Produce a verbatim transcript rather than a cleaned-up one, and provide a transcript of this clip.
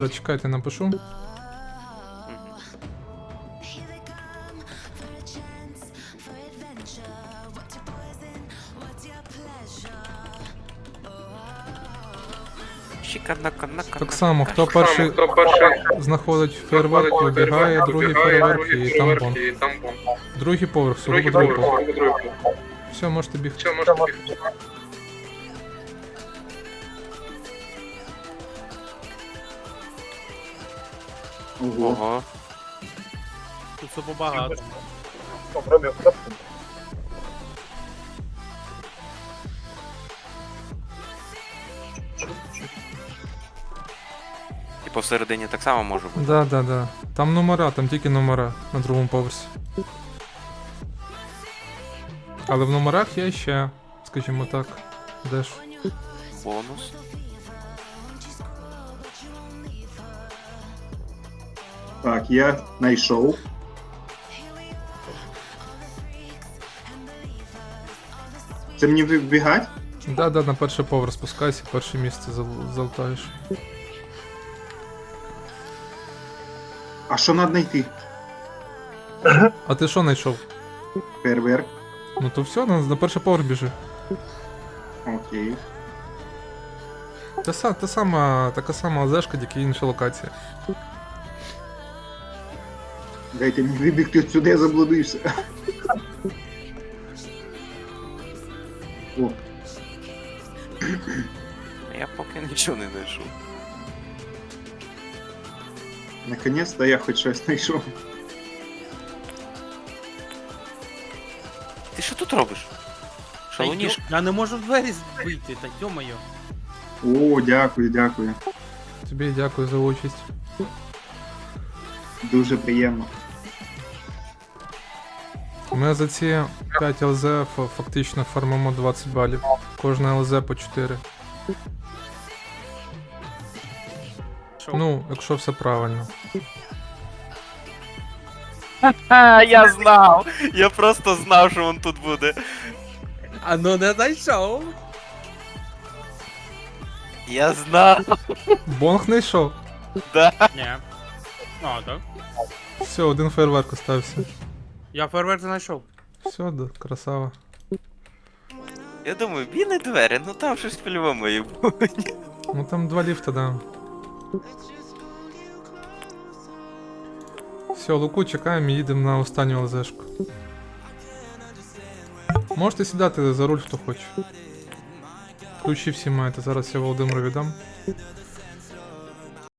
Чекайте, напишу. Так само, хто перший, Хто перший знаходить фейерверк, вибігає, другий фейерверк і там бомб. і там бомб. Другий поверх, сугубо Другий другий поверх, поверх. сугубо другий поверх. Все, можете бігти. Все, можете бігти. Ого. Ого. Тут все побагато. Типу всередині так само може бути. Да, да, да. Там номера, там тільки номера на другому поверсі. Але в номерах є ще, скажімо так, де ж. Бонус. Так, я знайшов. Це мені вибігать? Да, да, на перший поверх спускайся, перше місце зал- залутаєш. А що треба знайти? А ти що знайшов? Фейерверк. Ну то все, на, на перший поверх біжи. Окей. Та, са- та сама, така сама ЛЗшка, тільки інша локація. Дайте мені вибігти отсюди, я заблудився. О, Я поки нічого не знайшов. наконець-то я хоч щось знайшов. Ти що тут робиш? Та Шалуніш? йо- Я не можу в двері вийти, та йо-моє. О, дякую, дякую. Тобі дякую за участь. Дуже приємно. Ми за ці п'ять ЛЗ фа- фактично фармимо двадцять балів. Кожна ЛЗ по чотири. Що? Ну, якщо все правильно. Ха, я знав! Я просто знав, що він тут буде. А ну не знайшов. Я знав. Бонг не йшов. Ні. А, так. Все, один фейерверк остався. Я фейерверк знайшов. Все, да, красава. Я думаю, білі двері, ну там щось по-любому є буде. Ну там два ліфта, да. Все, Луку чекаємо і їдемо на останню ЛЗшку. Можете сідати за руль, хто хоче. Ключі всі маєте, зараз я Володимиру віддам.